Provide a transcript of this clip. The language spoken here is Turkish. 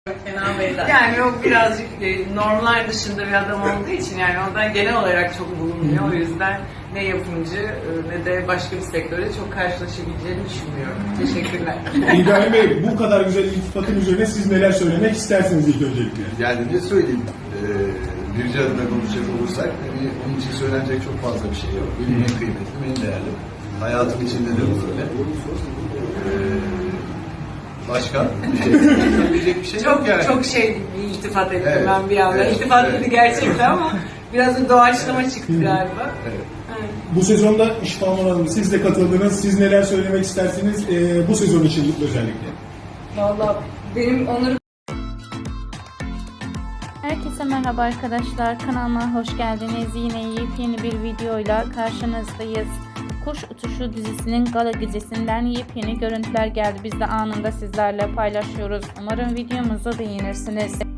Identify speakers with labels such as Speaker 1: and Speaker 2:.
Speaker 1: Kenan Bey'den. Yani o birazcık normlar dışında bir adam olduğu için yani ondan genel olarak çok bulunmuyor. O yüzden ne yapımcı ne de başka bir sektörde çok karşılaşabileceğini düşünmüyorum. Teşekkürler.
Speaker 2: İbrahim Bey, bu kadar güzel iltifatın üzerine siz neler söylemek istersiniz ilk öncelikle?
Speaker 3: Yani ne söyleyeyim? Birce adına konuşacak olursak, onun için söylenecek çok fazla bir şey yok. Benim en kıymetli, en değerli. Hayatım içinde de bu böyle. Başka söyleyecek bir şey yok yani.
Speaker 1: Çok bir iltifat ettim
Speaker 3: Evet,
Speaker 1: ben bir anda.
Speaker 3: evet,
Speaker 1: İltifat
Speaker 3: evet.
Speaker 1: dedi gerçekten ama biraz da doğaçlama çıktı galiba.
Speaker 3: Evet.
Speaker 2: Bu sezonda İşbahman Hanım, siz de katıldınız. Siz neler söylemek istersiniz bu sezon için özellikle?
Speaker 1: Vallahi benim onları
Speaker 4: Herkese merhaba arkadaşlar, kanalıma hoş geldiniz. Yine yepyeni bir videoyla karşınızdayız. Kuş Uçuşu dizisinin gala gecesinden yepyeni görüntüler geldi. Biz de anında sizlerle paylaşıyoruz. Umarım videomuzu beğenirsiniz.